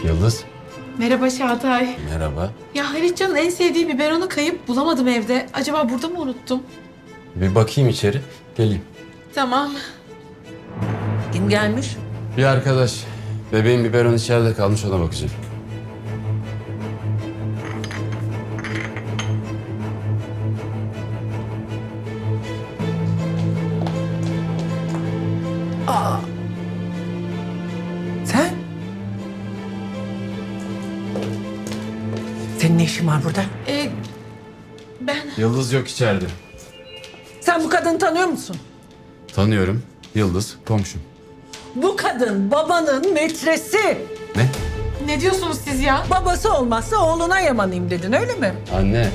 Yıldız. Merhaba Çağatay. Merhaba. Ya Halitcan'ın en sevdiği biberonu kayıp bulamadım evde. Acaba burada mı unuttum? Bir bakayım içeri. Geleyim. Tamam. Kim gelmiş? Bir arkadaş. Bebeğin biberon içeride kalmış, ona bakacağım. Sen? Senin ne işin var burada? Ben... Yıldız yok içeride. Sen bu kadını tanıyor musun? Tanıyorum. Yıldız komşum. Bu kadın babanın metresi. Ne? Ne diyorsunuz siz ya? Babası olmazsa oğluna yamanayım dedin öyle mi? Anne.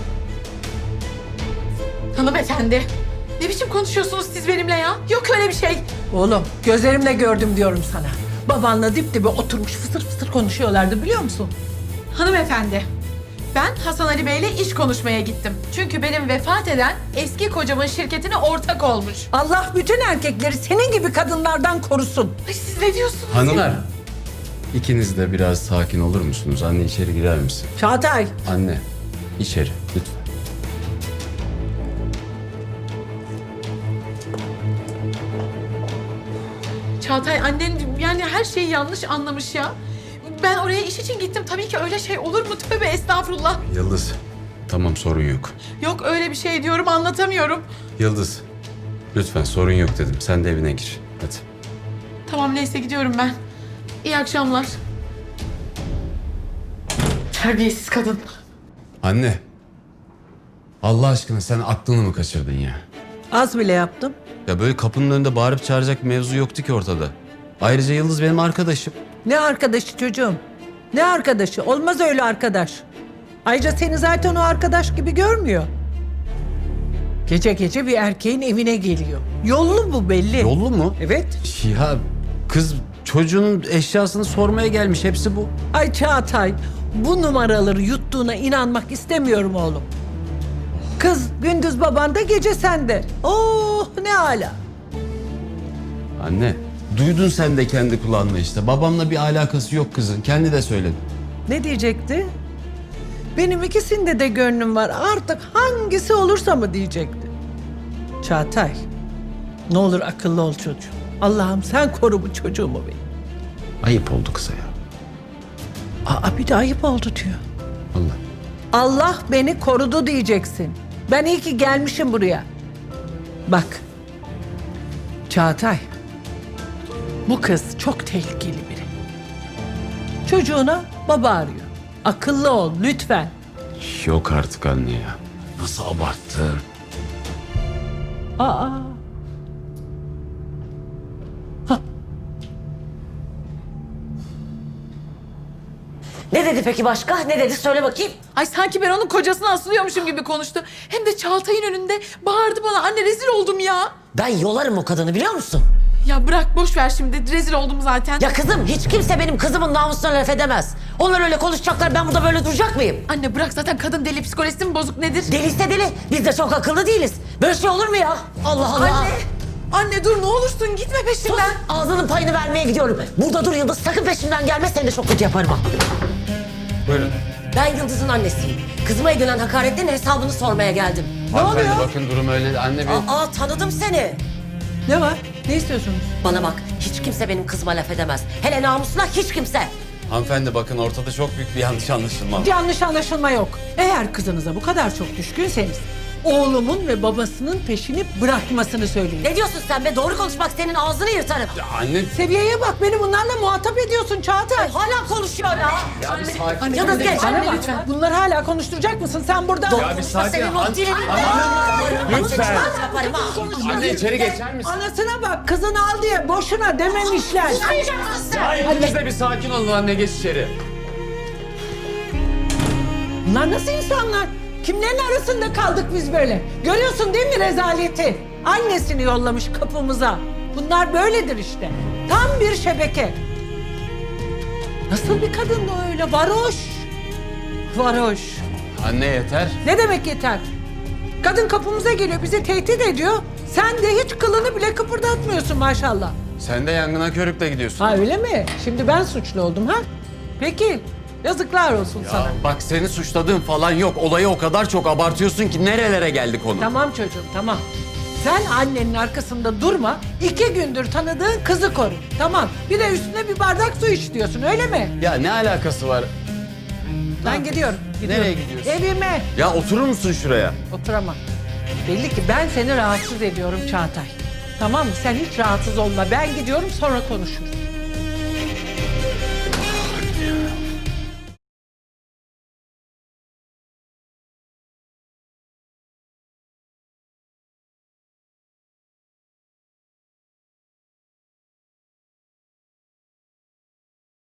Hanımefendi. Ne biçim konuşuyorsunuz siz benimle ya? Yok öyle bir şey. Oğlum gözlerimle gördüm diyorum sana. Babanla dip dibe oturmuş fısır fısır konuşuyorlardı biliyor musun? Hanımefendi. Ben Hasan Ali Bey'le iş konuşmaya gittim. Çünkü benim vefat eden eski kocamın şirketine ortak olmuş. Allah bütün erkekleri senin gibi kadınlardan korusun. Ay siz ne diyorsunuz? Hanımlar. İkiniz de biraz sakin olur musunuz? Anne içeri girer misin? Çağatay. Anne. İçeri lütfen. Çağatay annen yani her şeyi yanlış anlamış ya. Ben oraya iş için gittim. Tabii ki öyle şey olur mu? Tövbe estağfurullah. Yıldız. Tamam, sorun yok. Yok öyle bir şey diyorum, anlatamıyorum. Yıldız. Lütfen sorun yok dedim. Sen de evine gir. Hadi. Tamam neyse gidiyorum ben. İyi akşamlar. Terbiyesiz kadın. Anne. Allah aşkına sen aklını mı kaçırdın ya? Az bile yaptım. Ya böyle kapının önünde bağırıp çağıracak mevzu yoktu ki ortada. Ayrıca Yıldız benim arkadaşım. Ne arkadaşı çocuğum? Ne arkadaşı? Olmaz öyle arkadaş. Ayrıca seni zaten o arkadaş gibi görmüyor. Gece gece bir erkeğin evine geliyor. Yollu bu belli. Yollu mu? Evet. Ya kız çocuğunun eşyasını sormaya gelmiş. Hepsi bu. Ay Çağatay, bu numaraları yuttuğuna inanmak istemiyorum oğlum. Kız gündüz babanda, gece sende. Oh ne ala. Anne. Duydun sen de kendi kulağınla işte. Babamla bir alakası yok kızın. Kendi de söyledi. Ne diyecekti? Benim ikisinde de gönlüm var. Artık hangisi olursa mı diyecekti. Çağatay, ne olur akıllı ol çocuğum. Allah'ım sen koru bu çocuğumu benim. Ayıp oldu kıza ya. Aa bir de ayıp oldu diyor. Allah. Allah beni korudu diyeceksin. Ben iyi ki gelmişim buraya. Bak. Çağatay. Bu kız çok tehlikeli biri. Çocuğuna baba arıyor. Akıllı ol lütfen. Yok artık anne ya. Nasıl abarttın? Aa. Ne dedi peki başka? Ne dedi? Söyle bakayım. Ay sanki ben onun kocasına asılıyormuşum gibi konuştu. Hem de Çağatay'ın önünde bağırdı bana. Anne rezil oldum ya. Ben yolarım o kadını biliyor musun? Ya bırak boş ver şimdi. Rezil oldum zaten. Ya kızım hiç kimse benim kızımın namusuna laf edemez. Onlar öyle konuşacaklar, ben burada böyle duracak mıyım? Anne bırak zaten kadın deli, psikolojisi mi bozuk nedir? Deliyse deli. Biz de çok akıllı değiliz. Böyle şey olur mu ya? Allah Allah. Anne. Anne dur ne olursun gitme Sus. peşimden. Ağzının payını vermeye gidiyorum. Burada dur Yıldız. Sakın peşimden gelme. Seni de çok kötü yaparım ha. Buyurun. Ben Yıldız'ın annesiyim. Kızıma edilen hakaretlerin hesabını sormaya geldim. Hanımefendi oluyor? bakın durum öyle. Anne bir... Aa tanıdım seni. Ne var? Ne istiyorsunuz? Bana bak. Hiç kimse benim kızıma laf edemez. Hele namusuna hiç kimse. Hanımefendi bakın ortada çok büyük bir yanlış anlaşılma var. Yanlış anlaşılma yok. Eğer kızınıza bu kadar çok düşkünseniz oğlumun ve babasının peşini bırakmasını söyleyin. Ne diyorsun sen be? Doğru konuşmak senin ağzını yırtarım. Ya anne... Seviyeye bak, beni bunlarla muhatap ediyorsun Çağatay. Hala konuşuyor ya. Ya bir sakin. Yıldız geç. Bana Anne, bak, lütfen. bunları hala konuşturacak mısın sen burada? Ya bir sakin. Senin o dilini... Lütfen. Yaparım ha. Anne içeri geçer misin? Anasına bak, kızını al diye boşuna dememişler. Ya ikiniz de bir sakin olun anne, geç içeri. Bunlar nasıl insanlar? Kimlerin arasında kaldık biz böyle? Görüyorsun değil mi rezaleti? Annesini yollamış kapımıza. Bunlar böyledir işte. Tam bir şebeke. Nasıl bir kadın o öyle? Varoş. Varoş. Anne yeter. Ne demek yeter? Kadın kapımıza geliyor, bizi tehdit ediyor. Sen de hiç kılını bile kıpırdatmıyorsun maşallah. Sen de yangına körükle gidiyorsun. Ha öyle mi? Şimdi ben suçlu oldum ha? Peki. Yazıklar olsun sana. Bak seni suçladığım falan yok. Olayı o kadar çok abartıyorsun ki nerelere geldi konu. Tamam çocuğum, tamam. Sen annenin arkasında durma. 2 gündür tanıdığın kızı koru. Tamam. Bir de üstüne bir bardak su iç diyorsun, öyle mi? Ya ne alakası var? Ben gidiyorum. Nereye gidiyorsun? Evime. Ya oturur musun şuraya? Oturamam. Belli ki ben seni rahatsız ediyorum Çağatay. Tamam mı? Sen hiç rahatsız olma. Ben gidiyorum, sonra konuşuruz.